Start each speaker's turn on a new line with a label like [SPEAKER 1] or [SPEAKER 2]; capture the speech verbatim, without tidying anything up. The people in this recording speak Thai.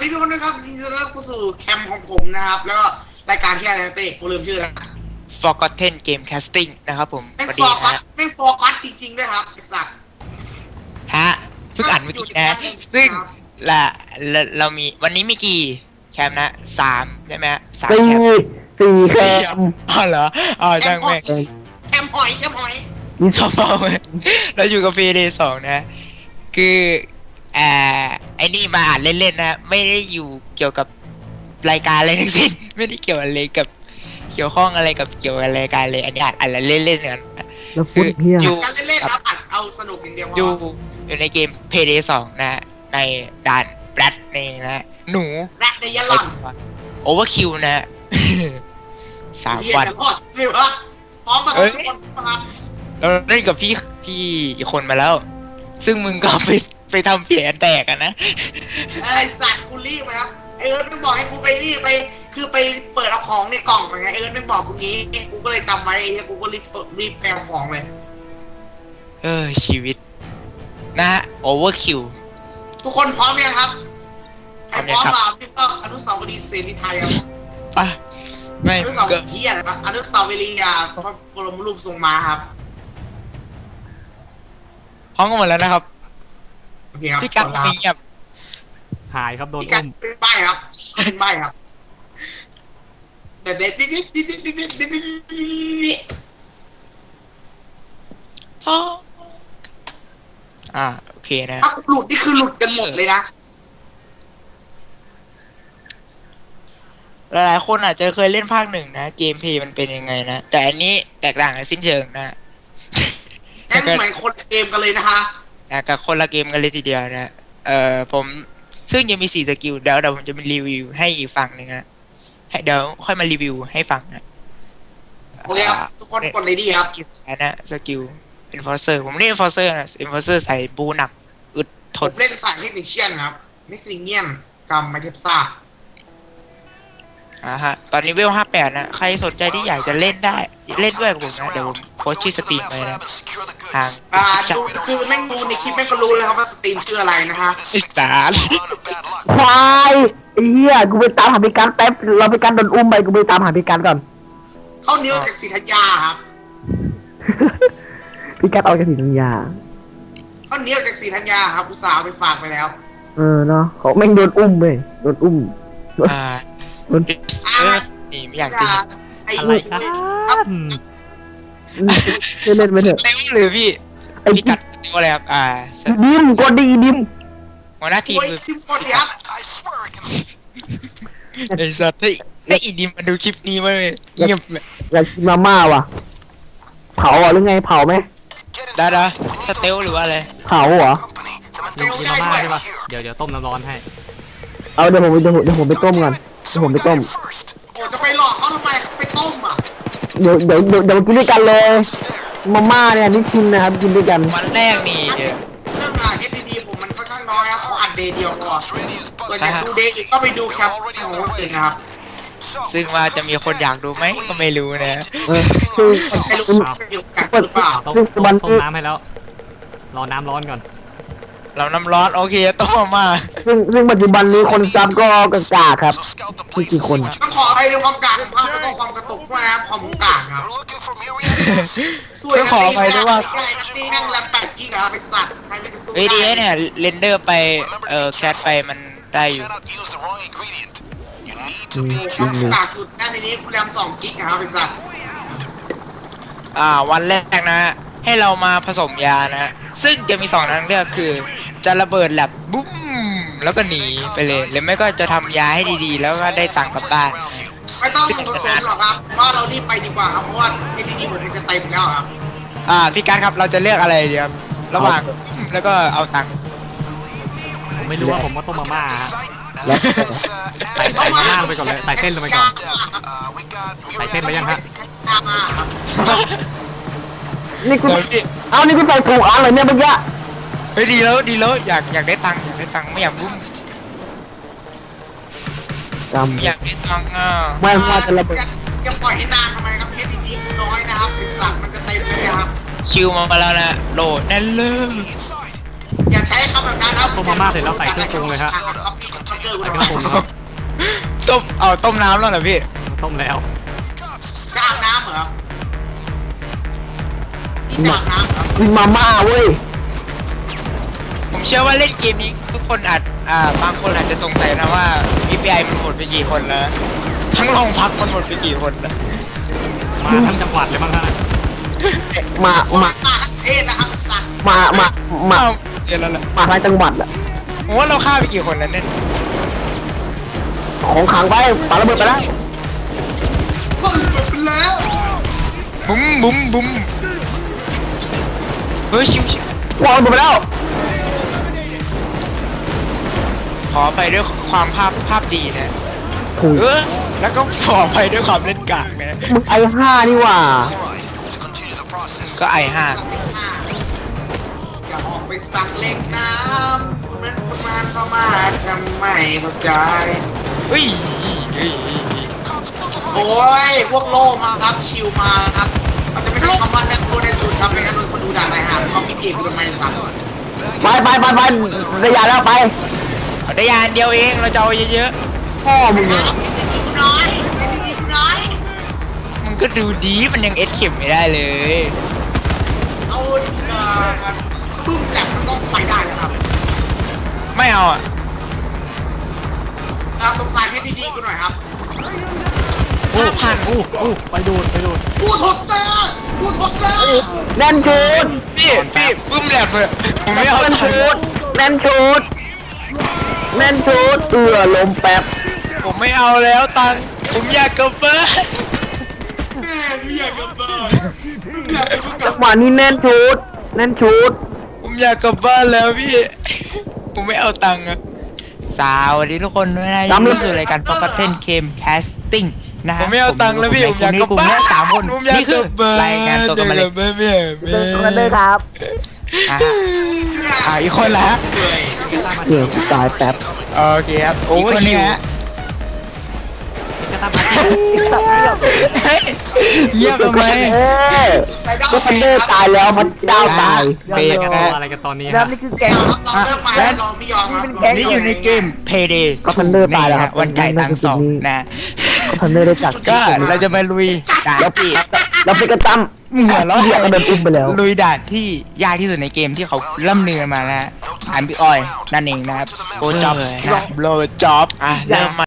[SPEAKER 1] ดีทุกคนนะครับที่จะเริ่มเข้าสู่แคมป์ของผมนะครับแล้วก็รายการที่อะไรนะเต้กูลืมชื่อแล้ว
[SPEAKER 2] Forgotten Game Casting นะครับผม
[SPEAKER 1] แม่ง
[SPEAKER 2] สวัส
[SPEAKER 1] ฟ
[SPEAKER 2] ดี
[SPEAKER 1] อร์กั
[SPEAKER 2] นะ
[SPEAKER 1] สแม่งฟอร์กัสจริงๆด้วยครับไอ้สัตว์
[SPEAKER 2] ฮะเพิ่งอ่านเมื่อกี้นะ ซึ่งละละเรามีวันนี้มีกี่แคมป์นะสามใช่ไหมฮะสาม
[SPEAKER 3] สี่
[SPEAKER 2] แคมป์
[SPEAKER 3] สี่แคม
[SPEAKER 2] อ๋อเหรออ๋อ
[SPEAKER 1] แค
[SPEAKER 2] จั
[SPEAKER 1] ม
[SPEAKER 2] ง
[SPEAKER 1] ป์หอ
[SPEAKER 2] แม่
[SPEAKER 1] ย
[SPEAKER 2] ง
[SPEAKER 1] แคมป์หอยแคมป์หอย
[SPEAKER 3] มี
[SPEAKER 2] ชอบมากเลยเราอยู่กับพีเดย์สองนะ คืออ่าไอ้นี่มาอ่านเล่นๆนะไม่ได้อยู่เกี่ยวกับรายการอะไรทั้งสิ้น ไม่ได้เกี่ยวอะไรกับเกี่ยวข้องอะไรกับเกี่ยวกับรายการเลยอันนี้อ่านอ่านเล่นๆกัน
[SPEAKER 3] แล้วพูดเฮีย
[SPEAKER 2] อยู่
[SPEAKER 1] การเล่นๆครับอัดเอาสนุกอย่างเดียวพ
[SPEAKER 2] อยู่
[SPEAKER 1] อ
[SPEAKER 2] อยู่ในเกม Payday สองนะ ในด่านแบล็ดนี่นะ หนู
[SPEAKER 1] แรดในยะหล่อน
[SPEAKER 2] โอเวอร์คิวนะ สาม
[SPEAKER 1] เฮีย
[SPEAKER 2] วัน
[SPEAKER 1] จะรอดไม่วะพร้อมมาทุกคนนะครับ
[SPEAKER 2] เราเล่นกับพี่พี่อีกคนมาแล้ว ซึ่งมึงก็ไปไปทำแผลแตกอะนะ
[SPEAKER 1] ไอ้สัตว์กูรีบนะครับไอเอิร์ธไม่บอกให้กูไปรีบไปคือไปเปิดเอาของในกล่องไงไอเอิร์ธไม่บอกกูงี้กูก็เลยจำไว้ไอ้เหี้ยกูก็รีบเปิดรีบไปเอาของเลย
[SPEAKER 2] เออ ชีวิต นะโอเวอร์คิว
[SPEAKER 1] ทุกคนพร้อมยังครับใครพร้อม
[SPEAKER 2] พร้อมครับ
[SPEAKER 1] มาพี่ก็อนุสาวรีย์เสรีไทยครับ
[SPEAKER 2] ป่ะ ไม่
[SPEAKER 1] อนุ
[SPEAKER 2] มึ
[SPEAKER 1] สาง ว
[SPEAKER 2] ก็
[SPEAKER 1] รีย์เฮียอะไรปะอนุสาวรีย์อ่ะพระบรมรูปทรงม้าครับ
[SPEAKER 2] ห้องกันหมดแล้วนะครับ
[SPEAKER 1] โอเคครับ
[SPEAKER 2] พี่กัดมีแบบ
[SPEAKER 4] หายครับโดน
[SPEAKER 1] พี่กั
[SPEAKER 4] อุ้
[SPEAKER 1] ด
[SPEAKER 4] ม
[SPEAKER 1] เป็นใบครับเป็นใบครับเด็ดเด็ดดิดดิดดิดดิดดิดดิดดิด
[SPEAKER 2] ท้องอ่า โอเคนะ
[SPEAKER 1] ถ้าหลุดนี่คือหลุดกันหมดเลยนะ
[SPEAKER 2] หลายๆคนอาจจะเคยเล่นภาคหนึ่งนะ เกมเพลย์มันเป็นยังไงนะ แต่อันนี้แตกต่างกันสิ้นเชิงนะ
[SPEAKER 1] นั่นเหมือนคนเกมกันเลยนะคะ
[SPEAKER 2] นะกับคนละเกมกันเลยทีเดียวนะ เอ่อผมซึ่งยังมีสี่สกิลเดี๋ยวเดี๋ยวผมจะมารีวิวให้อีกฝั่งหนึ่งนะให้เดี๋ยวค่อยมารีวิวให้ฟังนะ
[SPEAKER 1] โอเคครับทุกคนกดเลยดีครับ
[SPEAKER 2] สกิลนะสกิล enforcer ผมเล่น enforcer นะ enforcer ใส่บูหนักอึดท
[SPEAKER 1] ผม
[SPEAKER 2] น
[SPEAKER 1] เล่นสายเทคนิคเชียนครับเมคซิเงียนกัมไมเทปซ่า
[SPEAKER 2] อ่าฮะตอนนี้เวลห้าแปดนะใครสนใจที่อยากจะเล่นได้เล่นด้วยกับผมนะเดี๋ยวผมโพสต์ชื่อสตรีมไปนะทาง
[SPEAKER 1] อ่าดูคือแม่งดูในคลิปแม่งก็รู้เลยครับว่าสตรีมชื่ออะไรนะฮะ
[SPEAKER 2] อีสาน
[SPEAKER 3] ควายไอ้เฮียกูไปตามหาพิการแป๊บเราพิการโดนอุ้มไปกูไปตามหาพิการก่อน
[SPEAKER 1] เข้าเนื้อจากศรีธัญญาครับ
[SPEAKER 3] พิการเอาจากถิ่นยา
[SPEAKER 1] เข้าเนื้อจากศรีธัญญาครับอุตส่าห์เอาไปฝากไปแล้ว
[SPEAKER 3] เออเนาะเขาแม่งโดนอุ้มเว้ยโดนอุ้ม
[SPEAKER 2] อ่า
[SPEAKER 3] โดน
[SPEAKER 2] เออนี่ไม่อยากจะเห็น
[SPEAKER 1] ไอ้
[SPEAKER 4] อะไรครับ
[SPEAKER 3] เล่นไปเถอะ
[SPEAKER 2] เต็มหรือพี่
[SPEAKER 3] ไอ้
[SPEAKER 2] พี่กัดเต็มอะไรครับอ่า
[SPEAKER 3] ดิมกดดีดิม
[SPEAKER 2] หัวหน้าทีม
[SPEAKER 1] โอ้ย
[SPEAKER 2] คือ
[SPEAKER 1] คลิปโคตรยับ
[SPEAKER 2] ไอ้สัตว์ให้ให้อีดิมมาดูคลิปนี้มาเลยเงียบเลย
[SPEAKER 3] อยากกินมาม่าว่ะเผาเหรอหรือไงเผาไหม
[SPEAKER 2] ได้ดะสเตลหรือว่าอะไร
[SPEAKER 3] เผาเหรอ
[SPEAKER 4] กินกินมาม่าใช่ปะเดี๋ยวเดี๋ยวต้มน้ำร้อนให้
[SPEAKER 3] เอาเดี๋ยวผมเดี๋ยวผมเดี๋ยวผมไปต้มก่อนเดี๋ยวผมไปต้ม
[SPEAKER 1] โอ้จะไปหลอกเขาทำไมไปต้มอ่ะ
[SPEAKER 3] เดี๋ยวเดี๋ยวเดี๋ยวเดี๋ยวกินด้วยกันเลยมาม่าเนี่ยนี่ชิมนะครับกินด้วยกัน
[SPEAKER 2] วันแรกนี่
[SPEAKER 1] เรื่องงานเอสดีผมมันค่อนข้างน้อยครับเขาอัดเดย์เดียวพอส่วนใหญ่ดูเดย์อีกก็ไปดูแคปของคนอื่นนะครับ
[SPEAKER 2] ซึ่งว่าจะมีคนอยากดูไหมก็ไม่รู้นะ
[SPEAKER 3] เออคือ
[SPEAKER 1] ไม่รู้ว่าอยู่กันหรือเปล่า
[SPEAKER 4] ต้ม
[SPEAKER 3] ซึ่ง
[SPEAKER 4] ต้ม
[SPEAKER 3] วัน
[SPEAKER 4] ต้ม
[SPEAKER 3] นี้
[SPEAKER 4] น้ำให้แล้ว รอน้ำร้อนก่อน
[SPEAKER 2] เราน้ำร้อนโอเคต้มมา
[SPEAKER 3] ซึ่งซึ่งปัจจุบันนี้คนซับก็กากาครับมีกี่คน
[SPEAKER 1] ต้องขอให้ในความกลางภาพแล้วก็ความกระตุกด้วยนะครับความกลางครับ
[SPEAKER 2] ต้องขอไปด้วยว่า
[SPEAKER 1] ใช่นักตีนั่งแรมแปดกิกอะไปสัตว์ใครไม่จะสู้
[SPEAKER 2] เอดีเนี่ยเรนเดอร์ไปเอ่อแคทไปมันได้อยู่
[SPEAKER 3] อืม
[SPEAKER 1] ค
[SPEAKER 3] อื
[SPEAKER 1] วาม
[SPEAKER 3] ม
[SPEAKER 1] กลางสุดนั่นในนี้แรมสองกิกอะครับไปสัตว์
[SPEAKER 2] อ่าวันแรกนะ ให้เรามาผสมยานะ ซึ่งจะมีสองทางเลือกคือ จะระเบิดแลบบุ้มแล้วก็หนีไปเลย หรือไม่ก็จะทำยาให้ดีๆ แล้วก็ได้ตังค์กลับบ้าน
[SPEAKER 1] ไม่ต้องผสมหรอกครับว่าเรารีบไปดีกว่าครับเพราะว่าเอดีเหมือนจะเต็มแล้วครับ
[SPEAKER 2] อ่าพี่การครับเราจะเลือกอะไรดีครับระหว่างแล้วก็เอาตังค์
[SPEAKER 4] ผมไม่รู้ว่าผมว่าต้มมาม่าฮะ
[SPEAKER 3] แล้ว
[SPEAKER 4] ใส่ใส่มาม่าลงไปก่อนเลยใส่เส้นลงไปก่อน ใส่เส้นไปยังฮะ
[SPEAKER 3] นี่กู
[SPEAKER 2] เดี๋ยวพี่
[SPEAKER 3] เอานี่กูใส่ถูกอันเลยเนี่ยเมื่อกี้
[SPEAKER 2] เฮ้ยดีแล้วดีแล้วอยากอยากได้ตังค์อยากได้ตังค์ไม่อยากบุ้ม
[SPEAKER 3] จ
[SPEAKER 2] ไม่อยากได้ตังค์อ่ะ
[SPEAKER 3] ำไม่ว่าจะระเบิด
[SPEAKER 1] จะปล่อยให้นานทำไมครับเอดีน้อยนะครับไอสัตว์มันจะเต็มเลยครับ
[SPEAKER 2] ชิวมาแล้วนะโหลดแน่นเลย
[SPEAKER 1] อย่าใช้คำแบบนั้นครับ
[SPEAKER 4] ต้มมาม่าเสร็จแล้วใส่เครื่องปรุงเลยฮะ
[SPEAKER 1] ครับเกอร์กู
[SPEAKER 4] ใส่
[SPEAKER 1] ทำ
[SPEAKER 4] ก
[SPEAKER 1] ไม
[SPEAKER 4] ระปุกครับ
[SPEAKER 2] ต้มเอาต้มน้ำแล้วเหรอพี่
[SPEAKER 4] ต้มแล้ว
[SPEAKER 1] จะอาบน้ำเหรอนี่จะอาบน้ำเหรอ
[SPEAKER 3] มีมาม่าเว้ย
[SPEAKER 2] ผมเชื่อว่าเล่นเกมนี้ทุกคนอาจอ่าบางคนอาจจะสงสัยนะว่า อี พี ไอ มันหมดไปกี่คนแล้ว ทั้งโรงพักมันหมดไปกี่คนแล้ว
[SPEAKER 4] มาทั้งจังหวัดเลยบ้างฮะ
[SPEAKER 3] มา
[SPEAKER 1] มา
[SPEAKER 3] มา
[SPEAKER 1] มาทั้งประเทศนะครับสัตว์
[SPEAKER 3] มามามา
[SPEAKER 2] เอ้าเจอแล้วล่ะ
[SPEAKER 3] มาทั้งจังหวัดอะ
[SPEAKER 2] ผมว่าเราฆ่าไปกี่คนแล้วเนี่ย
[SPEAKER 3] ของขังไปปาระเบิดไปแล้ว
[SPEAKER 1] ก็หลุดไปแล้ว
[SPEAKER 2] บุ้มบุ้มบุ้มเฮ้ยชิวชิว
[SPEAKER 3] ควางระเบิดไปแล้ว
[SPEAKER 2] ขอไปด้วยความภาพภาพดีนะ
[SPEAKER 3] โอ้ย
[SPEAKER 2] เออแล้วก็ขอไปด้วยความเล่นกากนะ
[SPEAKER 3] มึงไอห้านี่หว่า
[SPEAKER 2] ก็ไอห้า
[SPEAKER 1] อย่าออกไปสั่งเล็กน้ำคุณนั้นประมาณประมาณทำไมเข้าใจ
[SPEAKER 2] เฮ้ยเฮ้ย
[SPEAKER 1] โอ้ยพวกโลมาครับชิวมาครับมันจะไม่ใช่คำว่าแนโคในสุดครับเป็นการโดนคนดูด่าไหนหาเขามีเกมกันไหมสัตว์
[SPEAKER 3] ไปไปไปไประยะแล้วไป
[SPEAKER 2] เอาได้ยานเดียวเองเราจะเอาเยอะ
[SPEAKER 3] พ่อมึง
[SPEAKER 1] ไอ้
[SPEAKER 3] อะ
[SPEAKER 1] ที่นี่กูน้อยไอ้ที่นี่กูน้อย
[SPEAKER 2] ๆมันก็ดูดีมันยังเอสเข็มไม่ได้เลย
[SPEAKER 1] เอาเอ่อบึ้มแหลมมันต้องไปได้นะครับ
[SPEAKER 2] ไม่เอาอ่ะ
[SPEAKER 1] เราสงสัยให้ดีๆกูหน่อยครับ
[SPEAKER 2] ห้าพัน
[SPEAKER 4] อู้อู้ไปดูดไปดูด
[SPEAKER 1] พูดหดเตอร์พูดหดเตอร์
[SPEAKER 3] แน่นชุด
[SPEAKER 2] พี่พี่บึ้มแหลมเลยผมไม่เอา
[SPEAKER 3] แน่น
[SPEAKER 2] ตัง
[SPEAKER 3] ชุด
[SPEAKER 2] ค์
[SPEAKER 3] แน่นชุดแน่นชุดเอือลมแป๊บ
[SPEAKER 2] ผมไม่เอาแล้วตังค์ผมอยากกลับบ้าน
[SPEAKER 1] แม่กูอยากกลับบ้านอยากไปกูก
[SPEAKER 3] จั
[SPEAKER 1] ลั
[SPEAKER 3] ง
[SPEAKER 1] บ
[SPEAKER 3] หวะนี้แน่นชุดแน่นชุด
[SPEAKER 2] ผมอยากกลับบ้านแล้วพี่ ผมไม่เอาตังค์อะสวัสดีทุกคนด้วยนะยินดีสู่รายการ Forgotten Game Casting นะฮะ
[SPEAKER 5] ผมไม่เอาตังค์แล้วพี่ผมอยากกลับบ้าน
[SPEAKER 2] กลุ่มนี้สามคน
[SPEAKER 5] ผมอยาก
[SPEAKER 2] นี่คือก
[SPEAKER 5] ลับบ้าน
[SPEAKER 2] รายงานตัวกันมาเลย
[SPEAKER 5] อยากกลับบ้านแม่แม่
[SPEAKER 3] ตัวกันเลยครับ
[SPEAKER 2] อ่ะอ่าอีกคนละฮะ
[SPEAKER 3] เดี๋ยวตายแป๊บ
[SPEAKER 2] โอเคครับอีกคนนี้ฮะ
[SPEAKER 4] กระตามาที่
[SPEAKER 2] เฮ้ยเงียบทำไม
[SPEAKER 3] เออก็ทันเดอร์ตายแล้วมันดาวตาย
[SPEAKER 2] เบรก
[SPEAKER 4] ร
[SPEAKER 2] นะ
[SPEAKER 4] ออะไรกันตอนนี้
[SPEAKER 3] แล้
[SPEAKER 4] ฮะ
[SPEAKER 3] วนี่คือแกง
[SPEAKER 1] เราเลิกมาแล้วเราไม่ยอมครับ
[SPEAKER 2] นี่อยู่ในเกม Payday
[SPEAKER 3] ก็ Thunder ตายแล้วครับ
[SPEAKER 2] วันจ่ายตังค์สองนะ
[SPEAKER 3] ก็ทันเดอร์ได้จัด
[SPEAKER 2] ก็เราจะมาลุยด่านที่
[SPEAKER 3] เราไปกระตั้ม
[SPEAKER 2] เหมือนเรา
[SPEAKER 3] เรียกก็เดินอุ้มไปแล้ว
[SPEAKER 2] ลุยด่านที่ยากที่สุดในเกมที่เขาล่ำลือกันมานะฮะอันพี่ออยนั่นเองนะครับโบจ็อบโบจ็อบอ่ะเริ่มมา